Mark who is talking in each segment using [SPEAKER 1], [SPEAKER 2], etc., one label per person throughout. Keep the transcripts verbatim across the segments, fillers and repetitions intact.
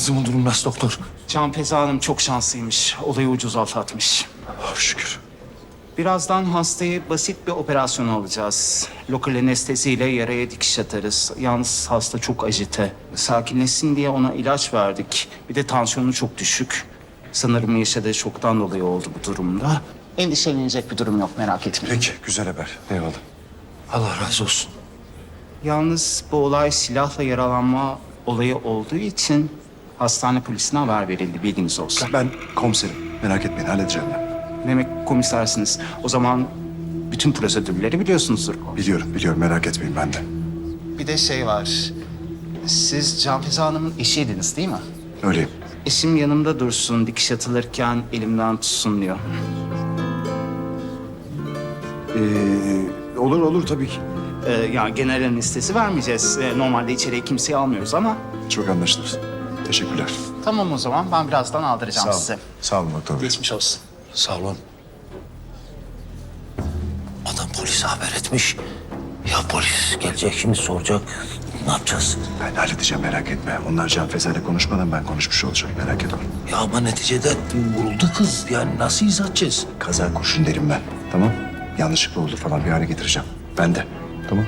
[SPEAKER 1] Kızımın durumu nasıl doktor?
[SPEAKER 2] Can Feza Hanım çok şanslıymış. Olayı ucuz atlatmış.
[SPEAKER 1] Oh, şükür.
[SPEAKER 2] Birazdan hastayı basit bir operasyona alacağız. Lokal anesteziyle yaraya dikiş atarız. Yalnız hasta çok ajite. Sakinleşsin diye ona ilaç verdik. Bir de tansiyonu çok düşük. Sanırım yaşadığı şoktan dolayı oldu bu durumda. Endişelenecek bir durum yok, merak etmeyin.
[SPEAKER 1] Peki, güzel haber. Eyvallah. Allah razı olsun.
[SPEAKER 2] Yalnız bu olay silahla yaralanma olayı olduğu için hastane polisine haber verildi, bilginiz olsun.
[SPEAKER 1] Ben komiserim. Merak etmeyin, halledeceğim ben.
[SPEAKER 2] Demek komisersiniz. O zaman bütün prosedürleri biliyorsunuzdur.
[SPEAKER 1] Biliyorum, biliyorum. Merak etmeyin ben de.
[SPEAKER 2] Bir de şey var. Siz Can Feza Hanım'ın eşiydiniz değil mi?
[SPEAKER 1] Öyleyim.
[SPEAKER 2] Eşim yanımda dursun, dikiş atılırken elimden tutsun diyor.
[SPEAKER 1] Ee, olur, olur tabii ki.
[SPEAKER 2] Ee, yani genel anestezi vermeyeceğiz. Ee, normalde içeriye kimseyi almıyoruz ama...
[SPEAKER 1] Çok anlaşılır. Teşekkürler.
[SPEAKER 2] Tamam o zaman, ben birazdan aldıracağım
[SPEAKER 1] Sağ olun.
[SPEAKER 2] size.
[SPEAKER 1] Sağ olun doktor bey.
[SPEAKER 2] Geçmiş olsun.
[SPEAKER 3] Sağ olun. Adam polise haber etmiş. Ya polis gelecek şimdi soracak. Ne yapacağız?
[SPEAKER 1] Ben halledeceğim, merak etme. Onlar Can Feza ile konuşmadan ben konuşmuş olacağım. Merak etme.
[SPEAKER 3] Ya ama neticede vuruldu kız. Yani nasıl izah edeceğiz?
[SPEAKER 1] Kaza kurşun derim ben. Tamam? Yanlışlıkla oldu falan bir hale getireceğim. Ben de. Tamam.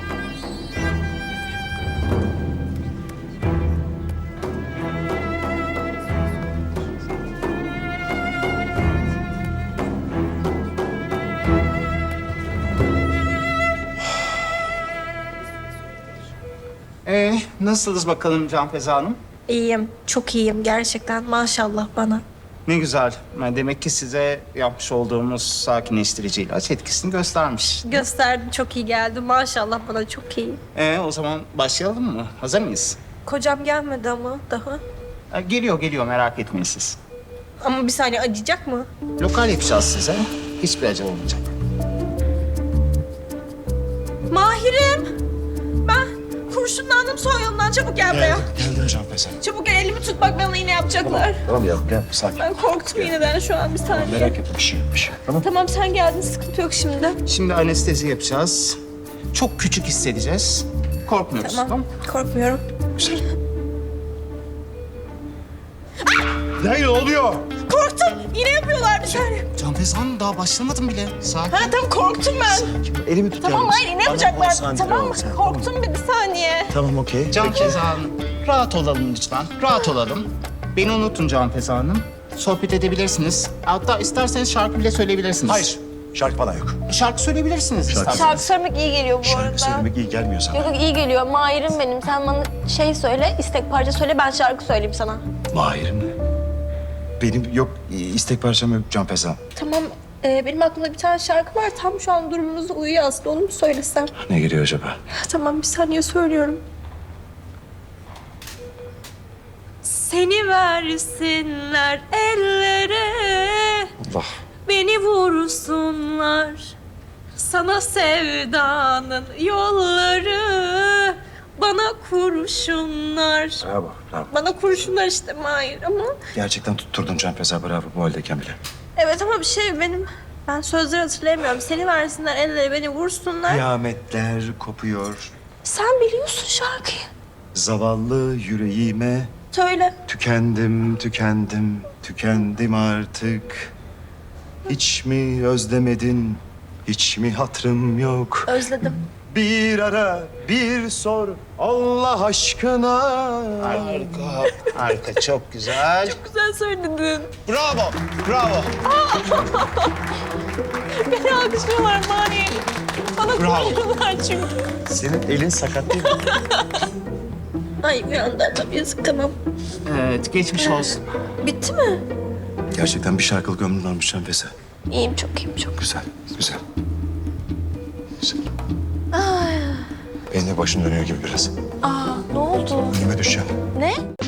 [SPEAKER 2] Ee, nasılsınız bakalım Can Feza Hanım?
[SPEAKER 4] İyiyim, çok iyiyim gerçekten. Maşallah bana.
[SPEAKER 2] Ne güzel. Yani demek ki size yapmış olduğumuz sakinleştirici ilaç etkisini göstermiş.
[SPEAKER 4] Gösterdi, çok iyi geldi. Maşallah bana çok iyi.
[SPEAKER 2] Ee, o zaman başlayalım mı? Hazır mıyız?
[SPEAKER 4] Kocam gelmedi ama daha.
[SPEAKER 2] Ee, geliyor, geliyor. Merak etmeyin siz.
[SPEAKER 4] Ama bir saniye acıyacak mı?
[SPEAKER 2] Lokal yapacağız size. Hiçbir acı olmayacak.
[SPEAKER 4] Mahir'im! Ben kurşunlandım son yolundan. Çabuk gel buraya.
[SPEAKER 1] Geldim Can Feza.
[SPEAKER 4] Çabuk gel, elimi tut bak bana iğne yapacaklar.
[SPEAKER 1] Tamam ya, gel. Sakin.
[SPEAKER 4] Ben korktum iğneden şu an bir saniye.
[SPEAKER 1] Merak etme, bir şey yok, bir şey yok. Tamam.
[SPEAKER 4] Tamam sen geldin, sıkıntı yok şimdi.
[SPEAKER 2] Şimdi anestezi yapacağız. Çok küçük hissedeceğiz. Korkmuyoruz.
[SPEAKER 4] Tamam, korkmuyorum.
[SPEAKER 1] Güzel. Ne, ne oluyor?
[SPEAKER 4] Korktum, iğne yapıyorlar bir saniye.
[SPEAKER 2] Can Feza Hanım daha başlamadım bile. Sakin.
[SPEAKER 4] Ha tamam korktum ben.
[SPEAKER 1] Elimi tut
[SPEAKER 4] Tamam
[SPEAKER 1] yalnız.
[SPEAKER 4] hayır iğne yapacaklar.
[SPEAKER 1] konsantre
[SPEAKER 4] Tamam
[SPEAKER 1] ol
[SPEAKER 4] mı?
[SPEAKER 1] sen,
[SPEAKER 4] Korktum bir, bir saniye.
[SPEAKER 1] Tamam, okey.
[SPEAKER 2] Can Feza Hanım, rahat olalım lütfen. Rahat olalım. Beni unutun Can Feza Hanım. Sohbet edebilirsiniz. Hatta isterseniz şarkı bile söyleyebilirsiniz.
[SPEAKER 1] Hayır, şarkı falan yok.
[SPEAKER 2] Şarkı söyleyebilirsiniz isterseniz.
[SPEAKER 4] Şarkı söylemek iyi geliyor bu arada.
[SPEAKER 1] Şarkı söylemek iyi gelmiyor sana.
[SPEAKER 4] Yok yok iyi geliyor. Mahir'im benim. Sen bana şey söyle, istek parça söyle. Ben şarkı söyleyeyim sana.
[SPEAKER 1] Mahir'im mi? Benim yok, istek parçam yok Can Feza.
[SPEAKER 4] Tamam. Ee, benim aklımda bir tane şarkı var. Tam şu an durumumuzda uyuyor aslında. Onu mu söylesem?
[SPEAKER 1] Ne geliyor acaba?
[SPEAKER 4] Tamam bir saniye söylüyorum. Seni versinler ellere,
[SPEAKER 1] Allah.
[SPEAKER 4] beni vursunlar. Sana sevdanın yolları, bana kurşunlar.
[SPEAKER 1] Bravo, bravo.
[SPEAKER 4] Bana kurşunlar işte Mahir ama...
[SPEAKER 1] Gerçekten tutturdun Can Feza, bravo bu haldeyken bile.
[SPEAKER 4] Evet ama bir şey benim... Ben sözleri hatırlayamıyorum. Seni versinler ellere, beni vursunlar.
[SPEAKER 1] Kıyametler kopuyor.
[SPEAKER 4] Sen biliyorsun şarkıyı.
[SPEAKER 1] Zavallı yüreğime
[SPEAKER 4] Söyle.
[SPEAKER 1] tükendim, tükendim, tükendim artık. Hiç mi özlemedin, hiç mi hatırım yok?
[SPEAKER 4] Özledim.
[SPEAKER 1] Bir ara, bir sor Allah aşkına.
[SPEAKER 2] Harika, harika. Çok güzel.
[SPEAKER 4] Güzel söyledin.
[SPEAKER 2] Bravo, bravo.
[SPEAKER 4] Beni alkışlıyorlar Mahir. Bana
[SPEAKER 2] Bravo.
[SPEAKER 4] koyuyorlar çünkü.
[SPEAKER 1] Senin elin sakat değil mi?
[SPEAKER 4] Ay uyandı adam yazık tamam.
[SPEAKER 2] Evet, geçmiş olsun.
[SPEAKER 4] Bitti mi?
[SPEAKER 1] Gerçekten bir şarkılık ömrün olmuş Can Feza.
[SPEAKER 4] İyiyim çok iyiyim çok.
[SPEAKER 1] Güzel, güzel. Güzel. Benim de başım dönüyor gibi biraz.
[SPEAKER 4] Aa ne oldu?
[SPEAKER 1] Önüme düşeceğim.
[SPEAKER 4] Ne?